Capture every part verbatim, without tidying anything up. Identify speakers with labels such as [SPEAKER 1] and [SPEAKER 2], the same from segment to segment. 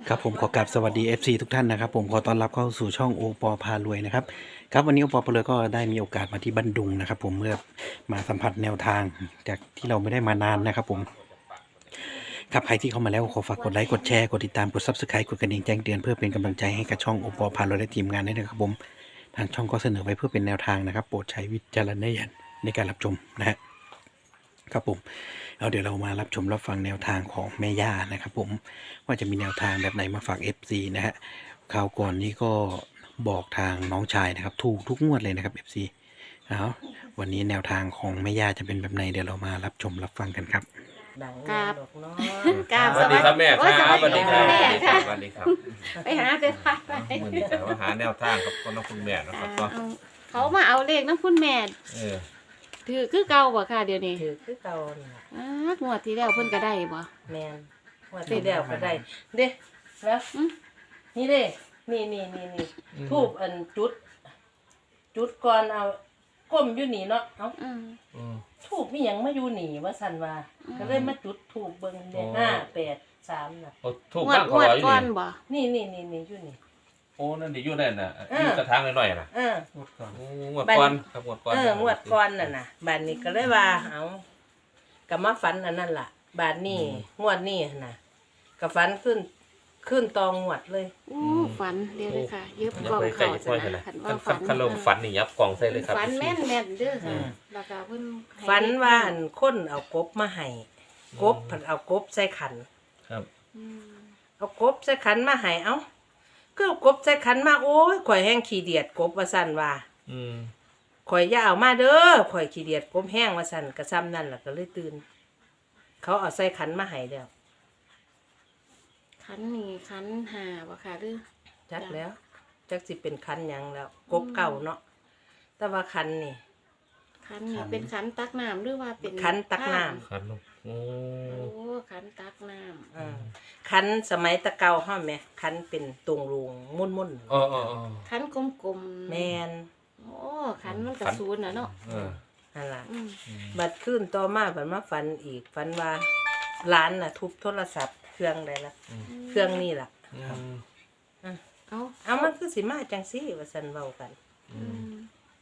[SPEAKER 1] ครับผมขอกราบสวัสดี เอฟ ซี ทุกท่านนะครับผมขอต้อนรับเข้าสู่ช่องโอปอพารวยนะครับครับวันนี้โอปอพารวยก็ได้มีโอกาสมาที่บันดุงนะครับผมเมื่อมาสัมผัสแนวทางจากที่เราไม่ได้มานานนะครับผมครับใครที่เข้ามาแล้วขอฝากกดไลค์กดแชร์กดติดตามกด ซับสไครบ์ กดกระดิ่งแจ้งเตือนเพื่อเป็นกำลังใจให้กับช่องโอปอพารวยและทีมงานด้วยนะครับผมทางช่องก็เสนอไว้เพื่อเป็นแนวทางนะครับโปรดใช้วิจารณญาณในการรับชมนะฮะครับผมเอาเดี๋ยวเรามารับชมรับฟังแนวทางของแม่ย่านะครับผมว่าจะมีแนวทางแบบไหนมาฝาก เอฟ ซี นะฮะคราวก่อนนี้ก็บอกทางน้องชายนะครับถูกทุกงวดเลยนะครับ เอฟ ซี เอาวันนี้แนวทางของแม่ย่าจะเป็นแบบไหนเดี๋ยวเรามารับชมรับฟังกันครับ
[SPEAKER 2] ดัง
[SPEAKER 3] ครั
[SPEAKER 2] แน่
[SPEAKER 3] บ
[SPEAKER 2] ดอกเนาะ
[SPEAKER 3] กราบ
[SPEAKER 4] สวัสดีครับแม่ค
[SPEAKER 3] โอ้ย
[SPEAKER 4] รับสวัสดีครับ
[SPEAKER 3] แม่
[SPEAKER 4] สวัสดีค
[SPEAKER 3] ค่ะ
[SPEAKER 4] รับสวัสดีครับ
[SPEAKER 3] ไปหาไปพักไป
[SPEAKER 4] วันนี้แต่ว่าหาแนวทางครับคนน้องคุณแม่นะค
[SPEAKER 3] อ่า
[SPEAKER 4] รับก็
[SPEAKER 3] เอาเขามาเอาเลขน้ำคุณแม่
[SPEAKER 4] เออ
[SPEAKER 3] ถือคือเก่าบ่ค่ะเดี๋ยวนี้
[SPEAKER 2] ถือคือเก่านี่ล่ะ
[SPEAKER 3] อ้างวดที่แล้วเพิ่นก็ได้บ่
[SPEAKER 2] แมนว่าที่แล้วก็ได้เด้แล้ว
[SPEAKER 3] อืม
[SPEAKER 2] นี่เด้นี่นี่นี่นี่ทูบอันจุด จุดก่อนเอาก้มอยู่นี่เนาะเอ้า
[SPEAKER 3] อืม
[SPEAKER 4] อืม
[SPEAKER 2] ทูบมีหยังมาอยู่นี่ว่าซั่นว่า
[SPEAKER 3] อืม
[SPEAKER 2] ก็เลยมาจุดทูบเบิ่งเด้
[SPEAKER 4] อ๋อ
[SPEAKER 2] ห้าแปดสามน่ะ
[SPEAKER 4] โอ้ถูก
[SPEAKER 3] งวด
[SPEAKER 4] บ้าง
[SPEAKER 3] ง
[SPEAKER 4] เขา
[SPEAKER 3] วด
[SPEAKER 4] ร้อยอยู่
[SPEAKER 3] ก่อน
[SPEAKER 4] นี่
[SPEAKER 3] บ่
[SPEAKER 2] นี่นี่นี่นี่อยู่นี่
[SPEAKER 4] โอ้นั่นดิอยู่นั่นน่ะ
[SPEAKER 2] เออ
[SPEAKER 4] อยู่กระถางหน่อยๆน่ะ
[SPEAKER 2] เออ
[SPEAKER 4] โอ้งวดก่อนครับงวดก่อน
[SPEAKER 2] เอองวดก่อนน่ะน่ะบาดนี้ก็เลยว่าเอาก็มาฝันอันนั้นล่ะ บาดนี้งวดนี้น่ะก็ฝันขึ้นขึ้นตองงวดเลย
[SPEAKER 3] โอ้ฝันเดี๋ยวเลยค่ะยึบ
[SPEAKER 4] อย่าก
[SPEAKER 3] ล่อง
[SPEAKER 4] ไปใกล้
[SPEAKER 3] เขา
[SPEAKER 4] ค่อย
[SPEAKER 3] ซะ
[SPEAKER 4] กัน
[SPEAKER 3] นะ
[SPEAKER 4] นะ
[SPEAKER 3] คัน
[SPEAKER 4] คั
[SPEAKER 3] ว่าน ฝัน
[SPEAKER 4] คันลมฝันนี่ยับกล่องใส่เลยครับ
[SPEAKER 3] ฝันแม่นแม่นๆเด้อค่ะ
[SPEAKER 4] อืม
[SPEAKER 3] แล้วก็เพิ่นให้
[SPEAKER 2] ฝันว่าอันคนเอากบมาให้กบผันเอากบใส่ขัน
[SPEAKER 4] ครับ
[SPEAKER 3] อืม
[SPEAKER 2] เอากบใส่ขันมาให้เอ้าก็เอากบใส่ขันมาโอ้ยข่อยแห้งขี้เดียดกบว่าสั่นว่า
[SPEAKER 4] อืม
[SPEAKER 2] ข่อยอย่าเอามาเด้อข่อยขี้เดียดกบแห้งว่าสั่นกระซ้ำนั่นล่ะก็เลยตื่น เขาเอาใส่ขันมาให้แล้ว
[SPEAKER 3] ขันนี่ขันหาบ่ค่ะหรือ
[SPEAKER 2] จักแล้วจักสิเป็นขันหยังแล้ว กบเก่าเนาะแต่ว่าขันนี่
[SPEAKER 3] ขันนี่เป็นขันตักน้ำหรือว่าเป็น
[SPEAKER 2] ขันตักน้ำ
[SPEAKER 4] คันลมโอ้
[SPEAKER 3] โอ้ขันตักน้ำ
[SPEAKER 2] อ่าขันสมัยตะเกาห้อมแม่ขันเป็นตุงรูงมุ่นมุ่น
[SPEAKER 4] อ๋ออ๋ออ๋อ
[SPEAKER 3] ขันกลมๆ
[SPEAKER 2] ๆแมน
[SPEAKER 3] โอ้ขันมันกระสูนน่ะเนาะ
[SPEAKER 4] เออ
[SPEAKER 2] นั่นล่ะ
[SPEAKER 3] อืม
[SPEAKER 2] บัดขึ้นต่อมาบัดมาฝันอีกฝันว่าร้านน่ะ ทุบโทรศัพท์เครื่องใดละเครื่องนี่ล่ะ
[SPEAKER 4] อืม
[SPEAKER 3] เอา
[SPEAKER 2] เอามันคือสิมาจังซี่ว่าซั่นเว้ากัน
[SPEAKER 4] อืม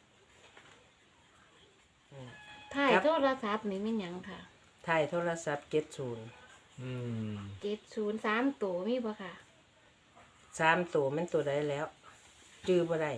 [SPEAKER 3] ถ่ายโทรศัพท์นี่มันหยังค่ะ
[SPEAKER 2] ถ่ายโทรศัพท์เจ็ดสิบ
[SPEAKER 4] อืม
[SPEAKER 3] เจ็ดศูนย์สามตัวมีบ่ค่ะ
[SPEAKER 2] สามตัวมันตัวใดแล้ว จื้อบ่ได้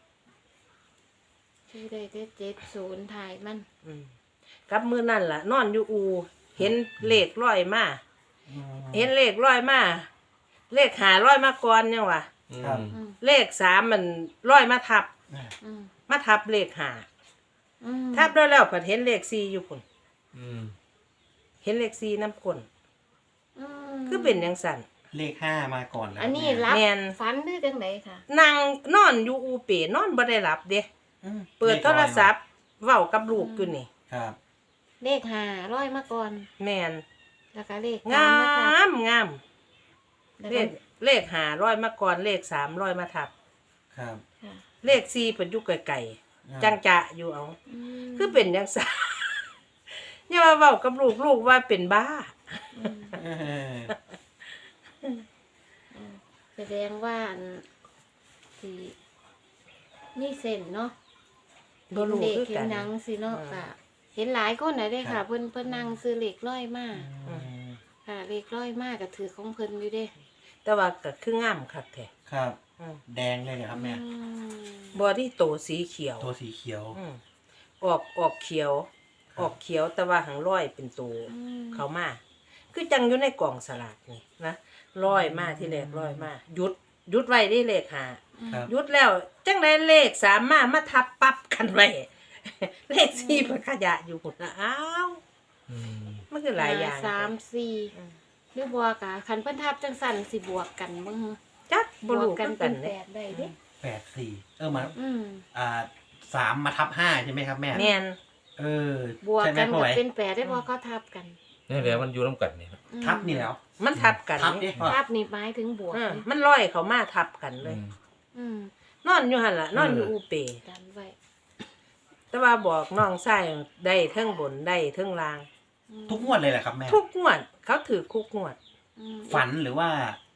[SPEAKER 3] ชื่อได้แต่เจ็ดศูนย์ถ่ายมัน
[SPEAKER 2] อืมกับมื้อนั่นล่ะ นอนอยู่อู เห็นเลขร้อยมาเห็นเลขร้อยมาเลขหาร้อยมาก่อนยังวะ
[SPEAKER 1] ครับ
[SPEAKER 3] อืม
[SPEAKER 2] เลขสามมันร้อยมาทับ
[SPEAKER 3] อืม
[SPEAKER 2] มาทับเลขหา
[SPEAKER 3] อืม
[SPEAKER 2] ทับแล้วแล้วผัดเห็นเลขสี่อยู่พุ่น
[SPEAKER 4] อืม
[SPEAKER 2] เห็นเลขสี่น้ำก้น
[SPEAKER 3] อืม
[SPEAKER 2] คือเป็นจังซั่น
[SPEAKER 1] เลขห้ามาก่อนแล้ว
[SPEAKER 3] อันนี้
[SPEAKER 1] แม่
[SPEAKER 3] รับ
[SPEAKER 2] แม่น
[SPEAKER 3] ฝันหรือจังไดค่ะ
[SPEAKER 2] นั่งนอนอยู่อูเป๋นอนบ่ได้หลับเด้
[SPEAKER 1] อืม
[SPEAKER 2] เปิดโทรศัพท์เว้ากับลูกอยู่นี่
[SPEAKER 1] ครับ
[SPEAKER 3] เลขหาร้อยมาก่อน
[SPEAKER 2] แม่น
[SPEAKER 3] แล้วก็เลข
[SPEAKER 2] งา
[SPEAKER 3] สมาค่ะ
[SPEAKER 2] มงาม
[SPEAKER 3] แล้ว
[SPEAKER 2] เล
[SPEAKER 3] ก็
[SPEAKER 2] ขเลขหาร้อยมาก่อนเลขสามร้อยมาทับ
[SPEAKER 1] ครับ
[SPEAKER 3] ค่ะ
[SPEAKER 2] เลขสี่เพิ่นอยู่ไกลๆจังจะอยู่เอา
[SPEAKER 3] อืม
[SPEAKER 2] คือเป็นจังซั่น อย่ามาเว้ากับลูกลูกว่าเป็นบ้า
[SPEAKER 3] อืม
[SPEAKER 1] เออ
[SPEAKER 3] แสดงว่าอันสิมีเส้นเนาะ
[SPEAKER 2] บ่รู้
[SPEAKER 3] เด็ก
[SPEAKER 2] คือ
[SPEAKER 3] เห็
[SPEAKER 2] กัน น
[SPEAKER 3] หนังสิเนาะ
[SPEAKER 2] อืม
[SPEAKER 3] ค่ะ เห็นหลายคนน่ะเด้ค่ะ เพิ่นเพิ่นนั่งซื้อเหล็กร้อยมา
[SPEAKER 1] อืม
[SPEAKER 3] ค่ะเหล็กร้อยมาก็ถือของเพิ่นอยู่เด้
[SPEAKER 2] แต่ว่าก็คืองามคักแท้
[SPEAKER 1] ครับ
[SPEAKER 2] อืม
[SPEAKER 1] แดงเลยเหรอครับแม่
[SPEAKER 3] อืม
[SPEAKER 2] บอดี้โตสีเขียว
[SPEAKER 1] ตัวสีเขียว
[SPEAKER 2] อืมออกออกเขียว
[SPEAKER 1] ครับ
[SPEAKER 2] ออกเขียวแต่ว่าหางร้อยเป็นตัว
[SPEAKER 3] อืม
[SPEAKER 2] เขามา คือจังอยู่ในกล่องสลากนี่นะร้อยมาที่แรกร้อยมาหยุดหยุดไว้ได้เลขหา
[SPEAKER 1] ครับ
[SPEAKER 2] หยุดแล้วจังได้เลขสามมามาทับปั๊บกันไว้ เลขสี่มันขยะอยู่หุ่นนะอ้าว
[SPEAKER 4] อืม
[SPEAKER 2] มันคือหลายอย่าง
[SPEAKER 3] ห้สามสี่
[SPEAKER 2] อืม
[SPEAKER 3] หรือบวกอ่ะคันเพิ่นทับจังสั่นสิบวกกันบ่ฮึ
[SPEAKER 2] จัก
[SPEAKER 3] บบ ว
[SPEAKER 2] รู
[SPEAKER 3] ก
[SPEAKER 2] กั
[SPEAKER 3] กัน น
[SPEAKER 2] กั
[SPEAKER 3] เป็น น
[SPEAKER 2] เนี่
[SPEAKER 3] แป
[SPEAKER 2] ย
[SPEAKER 3] ดได้เด้
[SPEAKER 1] แปดสี่เออมา
[SPEAKER 3] อืม
[SPEAKER 1] อ่าสามมาทับห้าใช่ไหมครับแม่
[SPEAKER 2] แม่น
[SPEAKER 1] เออ
[SPEAKER 3] บวก
[SPEAKER 1] ใช่ไหม
[SPEAKER 3] กัน
[SPEAKER 1] พ่อ
[SPEAKER 3] ก็
[SPEAKER 1] ไหว
[SPEAKER 3] เป็นแปดได้บ่เขาทับกัน
[SPEAKER 4] นี่แหละมันอยู่น้ำกันนี่ครับ
[SPEAKER 3] อืม
[SPEAKER 1] ทับนี่แล้ว
[SPEAKER 2] มันทับกัน
[SPEAKER 1] ทับดิ
[SPEAKER 2] นี่
[SPEAKER 1] พ่อ
[SPEAKER 3] ทับนี่หมายถึงบวก
[SPEAKER 2] อืม
[SPEAKER 3] นี่
[SPEAKER 2] มันร้อยเขามาทับกันเลย
[SPEAKER 4] อืม
[SPEAKER 3] อืม
[SPEAKER 2] นอนอยู่หันละนอนอยู่อูเป
[SPEAKER 3] กันไว้
[SPEAKER 2] แต่ว่าบอกน้องชายได้เทิงบนได้เทิงล่าง
[SPEAKER 3] อืม
[SPEAKER 1] ทุกงวดเลยแหละครับแม่
[SPEAKER 2] ทุกงวด เขาถือคุกงวด
[SPEAKER 3] อืม
[SPEAKER 1] ฝันหรือว่า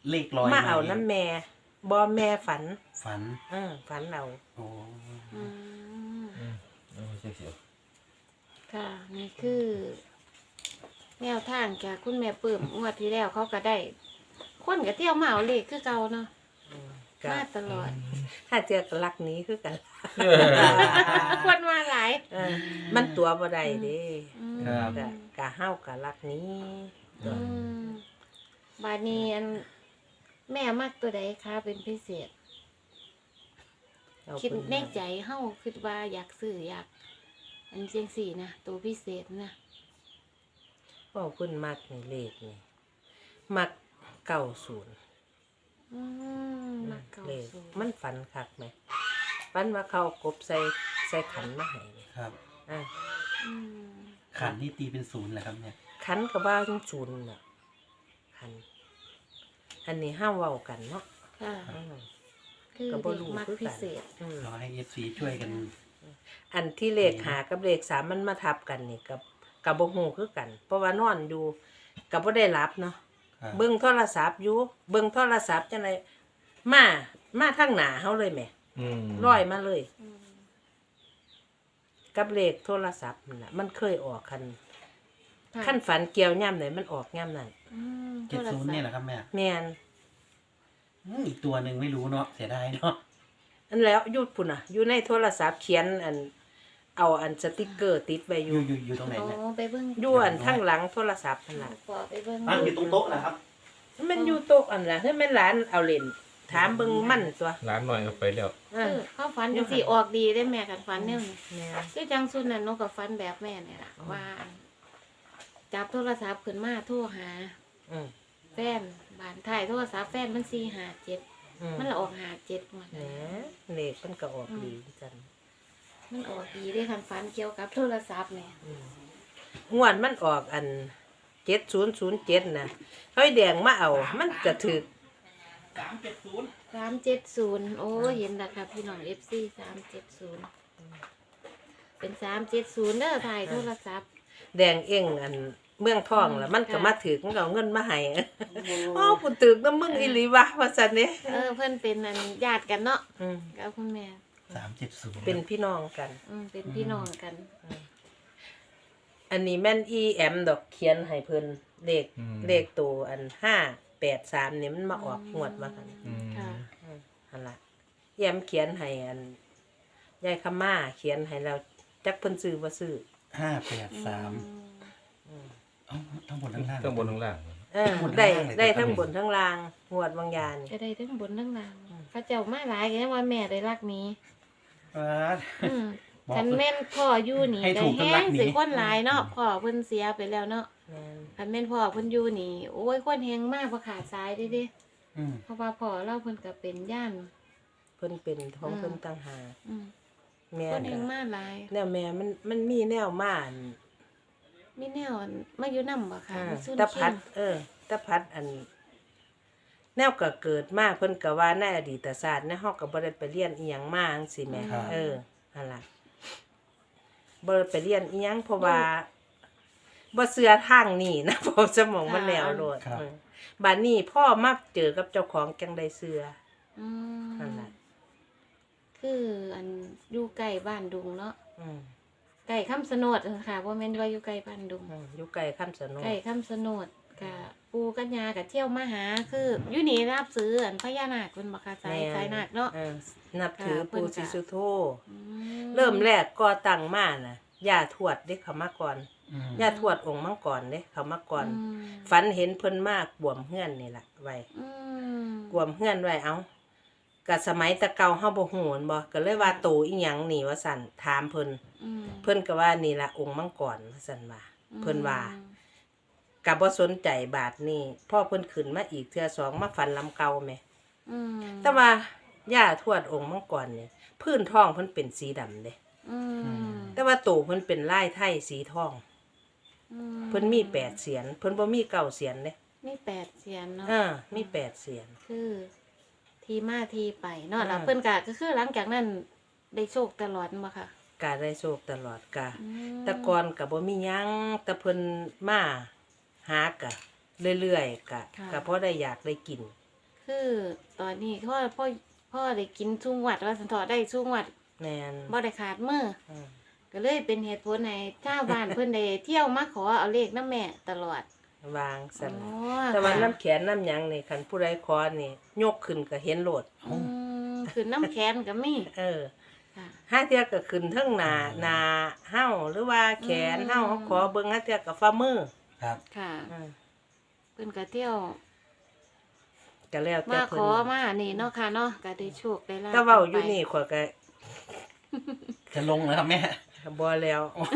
[SPEAKER 1] เลขลอย
[SPEAKER 2] มาเอาน้ำแม่บ่แม่ฝัน
[SPEAKER 1] ฝัน
[SPEAKER 2] เออฝันเอา
[SPEAKER 1] โอ้
[SPEAKER 3] อืม
[SPEAKER 4] อืมเอาเสียเสียว
[SPEAKER 3] ค่ะนี่คือแนวทางจากคุณแม่ปื้มงวดที่แล้วเขาก็ได้ คนก็เที่ยวมาเอาเลขคือเก่าเนาะ
[SPEAKER 2] อืมก็
[SPEAKER 3] มาตลอด
[SPEAKER 2] ถ้าเจอกับลักนี้คือกัน
[SPEAKER 3] คนมาหลาย
[SPEAKER 2] เออมันตัวบ่ได้เด้
[SPEAKER 3] อืม
[SPEAKER 2] ก็กะเฮากับลักนี้
[SPEAKER 3] อืมบาดนี้อันแม่มักตัวใดคะเป็นพิเศษ
[SPEAKER 2] เอา
[SPEAKER 3] คิด
[SPEAKER 2] เพิ่น
[SPEAKER 3] ในใจเฮาคิดว่าอยากซื้ออยาก อันเจียงสี่นะตัวพิเศษนะ
[SPEAKER 2] เว้าเพิ่นมักนี่เลขนี่มักเก้าศูนย์
[SPEAKER 3] อืมมักเก่า
[SPEAKER 2] เลข
[SPEAKER 3] สูง
[SPEAKER 2] มันฝันคักไหมฝันว่าเขาเอากบใส่ใส่ขันมาให้นี่
[SPEAKER 1] ครับ
[SPEAKER 2] อ่ะ
[SPEAKER 3] อืม
[SPEAKER 1] ขันนี่ตีเป็นศูนย์แหละครับเนี่ย
[SPEAKER 2] ขันก็ว่าจังศูนย์น่ะขัน อันนี้ห้ามเว้ากันเนาะ
[SPEAKER 3] ค่ะ
[SPEAKER 2] อืม
[SPEAKER 3] คือ
[SPEAKER 2] ก็บ่
[SPEAKER 3] เด็ก
[SPEAKER 2] รู้
[SPEAKER 3] มัก
[SPEAKER 2] คือ
[SPEAKER 3] พิ
[SPEAKER 2] กัน
[SPEAKER 3] เศษ
[SPEAKER 2] อืม
[SPEAKER 1] ขอให้เอฟซีช่วยกัน
[SPEAKER 2] อันที่เลขหากับเลขสามมันมาทับกันนี่กับกับบ่ฮู้คือกัน เพราะว่านอนอยู่กับบ่ได้รับเนาะ
[SPEAKER 1] ครับ
[SPEAKER 2] เบิ่งโทรศัพท์อยู่เบิ่งโทรศัพท์จังไดมามาทางหน้าเฮาเลยแหม
[SPEAKER 4] อืม
[SPEAKER 2] ร้อยมาเลย
[SPEAKER 3] อืม
[SPEAKER 2] กับเลขโทรศัพท์นั่นน่ะมันเคยออกคัน
[SPEAKER 3] ค่ะ
[SPEAKER 2] ขั้นฝันเกี่ยวย่ำไหนมันออกย่ำนั่น
[SPEAKER 3] อืม
[SPEAKER 1] เจ็ดศูนย์เนี่ยแหละครับแม่
[SPEAKER 2] แม่น
[SPEAKER 1] อืมอีกตัวหนึ่งไม่รู้เนาะเสียดายเนาะ
[SPEAKER 2] อันแล้วอยุดพุ่นอ่ะ อยู่ในโทรศัพท์เขียนอัน เอาอันสติกเกอร์ติดไว้อ
[SPEAKER 1] อยู่ ยู่อยู่อยู่ตรงไหน
[SPEAKER 3] โอ้
[SPEAKER 1] เนี่ย
[SPEAKER 3] ไปเบิ่ง
[SPEAKER 2] อยู่อันข้างหลังโทรศัพท์นั่นล่ะ
[SPEAKER 3] ปอไปเบิ่ง
[SPEAKER 1] อ่ะอยู่ตรงโต๊ะนะครับ
[SPEAKER 2] มันอยู่โต๊ะอันล่ะเฮ้ยแม่นหลานเอาเล่นถามเบิ่งมันตัว
[SPEAKER 4] ร้านหน่อยก็ไปแล้ว
[SPEAKER 2] เอ
[SPEAKER 3] คือ
[SPEAKER 2] อ
[SPEAKER 3] เขาฝันจังสี่ออกดีได้แม่กันฝันเนี่ยนี่
[SPEAKER 2] แม่น
[SPEAKER 3] คือจังสุดน่ะนกกับฝันแบบแม่เนี่ยล่ะว่าจับโทรศัพท์ขึ้นมาโทรหา
[SPEAKER 2] อืม
[SPEAKER 3] แฟนบ้านถ่ายโทรศัพท์แฟนมันสี่หาเจ็ด
[SPEAKER 2] อืม
[SPEAKER 3] มันละออกหาเจ็ดหมด
[SPEAKER 2] แห
[SPEAKER 3] เล
[SPEAKER 2] ม
[SPEAKER 3] ย
[SPEAKER 2] เลขมันก็ออกดีจัง
[SPEAKER 3] มันออกดีได้คันฝันเกี่ยวกับโทรศัพท์เนี่ย
[SPEAKER 2] อืมงวดมันออกอันเจ็ดศูนย์ศูนย์เจ็ดนะเฮ้ยแดงมาเอา มันก็ถึก
[SPEAKER 1] สามเจ็ดศูนย์
[SPEAKER 3] สามเจ็ดศูนย์โอ้เห็นแล้วค่ะพี่น้องเอฟซีสามเจ็ดศูนย์เป็นสามเจ็ดศูนย์เด้อถ่ายโทรศัพท์
[SPEAKER 2] แดงเองอันเมืองทองแล้วมันก็
[SPEAKER 3] ค่ะ
[SPEAKER 2] มาถึกมันก็เอาเงินมาให้ อ๋อกูตึกน้ำมึงอีหลีวะว่าซั่นเด้
[SPEAKER 3] เออเพื่อนเป็นอันญาติกันเนาะ
[SPEAKER 2] อืม
[SPEAKER 3] กับคุณแม่
[SPEAKER 1] สามเจ็ดศูนย์
[SPEAKER 2] เป็นพี่น้องกัน
[SPEAKER 3] อืมเป็นพี่น้องกัน
[SPEAKER 2] อันนี้แม่นอีแอมดอกเขียนให้เพิ่นเลข
[SPEAKER 4] อืม
[SPEAKER 2] เลขตัวอันห้าแปดสามนี่มันมาออกงวดว่ากัน
[SPEAKER 4] อืม
[SPEAKER 3] ค่ะ
[SPEAKER 2] อืมอันละอีแอมเขียนให้อันยายคำม่าเขียนให้เราจักเพิ่นซื้อบ่ซื้อ
[SPEAKER 1] ห้าแปดสาม
[SPEAKER 2] อืม
[SPEAKER 1] เอ้าทั้งบนทั้งล่าง
[SPEAKER 4] ข้างบนข้างล่าง
[SPEAKER 2] เออ
[SPEAKER 1] ทั้งบนทั้ง
[SPEAKER 2] ได้
[SPEAKER 1] ล่างเลย
[SPEAKER 2] ได้
[SPEAKER 1] ครับ
[SPEAKER 2] ทั้งบนทั้งล่างงวดบางยาน
[SPEAKER 3] ก็ได้ทั้งบนทั้งล่าง
[SPEAKER 2] อืม
[SPEAKER 3] พระเจ้ามาหลายกันว่าแม่ได้รักนี้
[SPEAKER 1] อ่า
[SPEAKER 3] อืม
[SPEAKER 1] บอก
[SPEAKER 3] คันแม่นพ่ออยู่นี่
[SPEAKER 1] ให้
[SPEAKER 3] ได้
[SPEAKER 1] ถูกทั้ง
[SPEAKER 3] แห้
[SPEAKER 1] รั
[SPEAKER 3] ง
[SPEAKER 1] กหนี
[SPEAKER 3] สิคนหลายเนาะพ่อเพิ่นเสียไปแล้วเนาะ
[SPEAKER 2] แม่น
[SPEAKER 3] คันแม่นพ่อเพิ่นอยู่นี่ โอ้ยคนแฮงมากบ่ขาดสายเด้เด้
[SPEAKER 1] อืม
[SPEAKER 3] เพราะว่าพ่อเราเพิ่นก็เป็นย่าน
[SPEAKER 2] เพิ่นเป็นของ
[SPEAKER 3] อืม
[SPEAKER 2] เพิ่นต่างหาก
[SPEAKER 3] อืม
[SPEAKER 2] แม่
[SPEAKER 3] คนแฮ
[SPEAKER 2] ก็
[SPEAKER 3] งมากหลาย
[SPEAKER 2] แนวแม่มันมันมีแนวมาอัน
[SPEAKER 3] มีแนวมาอยู่นำบ่ค่ะ
[SPEAKER 2] อ่า
[SPEAKER 3] มีซุน
[SPEAKER 2] ตะพั
[SPEAKER 3] เคีย
[SPEAKER 2] ด
[SPEAKER 3] ง
[SPEAKER 2] เออตะพัดอัน แนวก็เกิดมาเพิ่นก็ว่าในอดีตศาสตร์ในเฮาก็บ่ได้ไปเรียนอีหยังมาจังซี่แหมเออนั่นล่ะบ่ได้ไปเรียนอีหยังเพราะว่าบ่เชื่อทางนี้นะ เพราะสมองมันแล้วโลดเออบัดนี้พ่อมาเจอกับเจ้าของจังได้เชื่อ
[SPEAKER 3] อืม
[SPEAKER 2] นั่นล่ะ
[SPEAKER 3] คืออันอยู่ใกล้บ้านดุงเนาะ
[SPEAKER 2] อืม
[SPEAKER 3] ใกล้คำสนดค่ะบ่แม่นว่าอยู่ใกล้บ้านดุง
[SPEAKER 2] อืมอยู่ไกลคำสน
[SPEAKER 3] ใกล้คำสนดกะปูกัญญากับเที่ยวมาหาคืออยู่นี่รับซื้ออันพญานาคเป็นบ่ค่ะสายสายนาคเนาะ
[SPEAKER 2] เออนับถือ
[SPEAKER 3] ค่ะเพิ่
[SPEAKER 2] ปู่
[SPEAKER 3] นก็
[SPEAKER 2] ศรีสุโธ
[SPEAKER 3] อื
[SPEAKER 2] เริ่มแรกก่อตั้งมาน่ะย่าทวดเด้เขามาก่อน
[SPEAKER 1] อืม
[SPEAKER 2] ย่าทวดองค์มังกรเด้เขามาก่อน
[SPEAKER 3] อืม
[SPEAKER 2] ฝันเห็นเพิ่นมากบวมเฮือนนี่ล่ะไว้
[SPEAKER 3] อืม
[SPEAKER 2] กวมเฮือนไว้เอ้าก็สมัยแตะเก่าเฮาบ่ฮู้แม่นบ่ก็เลยว่าโตอีหยังนี่ว่าซั่นถามเพิ่น
[SPEAKER 3] อืม
[SPEAKER 2] เพิ่นก็ว่านี่ล่ะองค์มังกรว่าซั่นว่า เพิ่นว่า ก็บ่สนใจบาทนี้พ่อเพิ่นขึ้นมาอีกเทื่อสองมาฝันลำเก่าแหม
[SPEAKER 3] อืม
[SPEAKER 2] แต่ว่าย่าทวดองค์มังกรเนี่ยพื้นท้องเพิ่นเป็นสีดำเด้
[SPEAKER 3] อืม
[SPEAKER 2] แต่ว่าโตเพิ่นเป็นลายไทยสีทอง
[SPEAKER 3] อื
[SPEAKER 2] เพิ่นมีแปดเสียนเพิ่นบ่มีเก้าเสียนเด้
[SPEAKER 3] มีแปดเสียนเนาะ
[SPEAKER 2] อ่ามีแปดเสียน
[SPEAKER 3] คือทีมาทีไปเนาะแล้ว
[SPEAKER 2] อืม
[SPEAKER 3] เพิ่นก็ก็คือหลังจากนั้นได้โชคตลอดบ่ค่ะ
[SPEAKER 2] กาได้โชคตลอดกา
[SPEAKER 3] อืม
[SPEAKER 2] แต่ก่อนก็บ่มีหยังแต่เพิ่นมาหากะเรื่อยๆกะก็พอได้อยากได้กิน
[SPEAKER 3] คือตอนนี้พ่อพ่อพ่อได้กินชุ่งวัดว่าสันทอได้ชุ่งวัด
[SPEAKER 2] แม่น
[SPEAKER 3] บ่ได้ขาดมือ
[SPEAKER 2] อืม
[SPEAKER 3] ก็เลยเป็นเหตุผลให้ชาวบ้าน เพิ่นได้เที่ยวมาขอเอาเลขน้ำแม่ตลอด
[SPEAKER 2] วางซั่น
[SPEAKER 3] อ๋
[SPEAKER 2] น่ะ
[SPEAKER 3] อ
[SPEAKER 2] แต่ว่า
[SPEAKER 3] ค่ะ
[SPEAKER 2] น้ำแขนน้ำหยังนี่คันผู้ใดขอนี่ยกขึ้นก็เห็นโลด
[SPEAKER 3] อืมคือน้ำแขนก็มี
[SPEAKER 2] เออ
[SPEAKER 3] ค่ะ
[SPEAKER 2] ห้าเทื่อก็ขึ้นเทั้งหน้าหน้าเฮาหรือว่าแขนเฮา
[SPEAKER 3] อืม
[SPEAKER 2] เขาขอเบิ่งห้าเทื่อก็ฝ่ามือ
[SPEAKER 1] ครับ
[SPEAKER 3] ค่ะ
[SPEAKER 2] อืม
[SPEAKER 3] เพิ่นก็เที่ยว
[SPEAKER 2] ก็แล้วแต่
[SPEAKER 3] มาข
[SPEAKER 2] เพิ่
[SPEAKER 3] อน มานี่เนาะค่ะเนาะก็ได้โชคได้ลาภ
[SPEAKER 2] ถ้าเว้าอยู่
[SPEAKER 3] ไป
[SPEAKER 2] นี่ข่อยก็
[SPEAKER 1] จะลงแล้วครับแม่
[SPEAKER 2] บ่แล้ว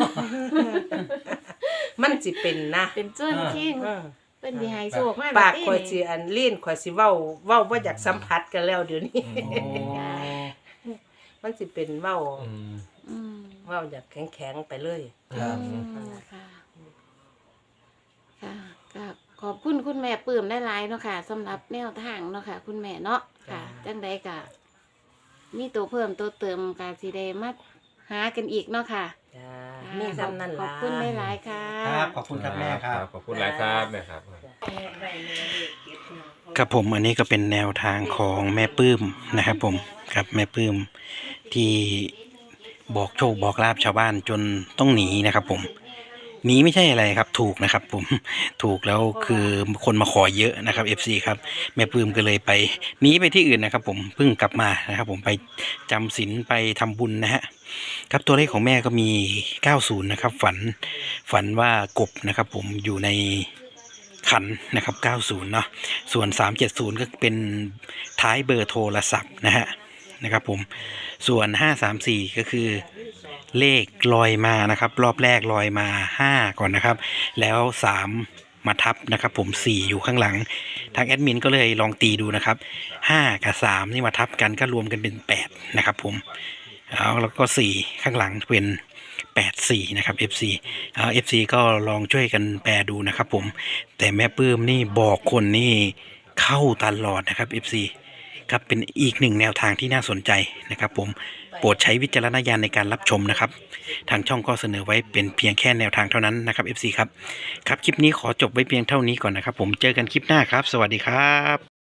[SPEAKER 2] มันสิเป็นนะ
[SPEAKER 3] เป็นจ้นคิง
[SPEAKER 2] เออ
[SPEAKER 3] เพิ่นสิให้โชคมา
[SPEAKER 2] ปาก
[SPEAKER 3] แบบนี้
[SPEAKER 2] ข่อยสิอันลิ้นข่อยสิเว้าเว้าบ่อยากสัมผัสกันแล้วเดี๋ยวนี้ มันสิเป็นเว้า
[SPEAKER 4] อืม
[SPEAKER 3] อืม
[SPEAKER 2] เว้าอยากแข็งๆไปเลย
[SPEAKER 1] ครับ
[SPEAKER 3] อืมค่ะค่ะก็ขอบคุณคุณแม่ปลื้มได้หลายๆเนาะค่ะสำหรับแนวทางเนาะค่ะ คุณแม่เนาะค่ะ จังใดก็มีตัวเพิ่มตัวเติมก็สิได้มาหากันอีกเนาะค่ะ
[SPEAKER 2] จ้า
[SPEAKER 3] ค่ะ
[SPEAKER 2] มีซ้ำนั่น
[SPEAKER 3] ขอ
[SPEAKER 2] ล่ะ
[SPEAKER 3] บคุณได้หลายๆค่ะ
[SPEAKER 1] ครับขอบคุณครับแม่ครับ
[SPEAKER 4] ขอบคุณหลายครับแม่ครับ
[SPEAKER 1] ครับผมอันนี้ก็เป็นแนวทางของแม่ปื้มนะครับผมครับแม่ปื้มที่บอกโชคบอกลาบชาวบ้านจนต้องหนีนะครับผมหนีไม่ใช่อะไรครับถูกนะครับผมถูกแล้วคือคนมาขอเยอะนะครับ เอฟ ซี ครับแม่ปื้มก็เลยไปหนีไปที่อื่นนะครับผมเพิ่งกลับมานะครับผมไปจำศีลไปทำบุญนะฮะครับตัวเลขของแม่ก็มีเก้าสิบนะครับฝันฝันว่ากบนะครับผมอยู่ในขันนะครับเก้าสิบเนาะส่วนสามเจ็ดศูนย์ก็เป็นท้ายเบอร์โทรศัพท์นะฮะนะครับผมส่วนห้าสามสี่ก็คือเลขลอยมานะครับรอบแรกลอยมาห้าก่อนนะครับแล้วสามมาทับนะครับผมสี่อยู่ข้างหลังทางแอดมินก็เลยลองตีดูนะครับห้ากับสามนี่มาทับกันก็รวมกันเป็นแปดนะครับผมเอาแล้วก็สี่ข้างหลังเป็นแปดสี่นะครับ เอฟ ซี เอา เอฟ ซี ก็ลองช่วยกันแปลดูนะครับผมแต่แม่ปื้มนี่บอกคนนี่เข้าตลอดนะครับ เอฟ ซี ครับเป็นอีกหนึ่งแนวทางที่น่าสนใจนะครับผมโปรดใช้วิจารณญาณในการรับชมนะครับทางช่องก็เสนอไว้เป็นเพียงแค่แนวทางเท่านั้นนะครับ เอฟ ซี ครับครับคลิปนี้ขอจบไว้เพียงเท่านี้ก่อนนะครับผมเจอกันคลิปหน้าครับสวัสดีครับ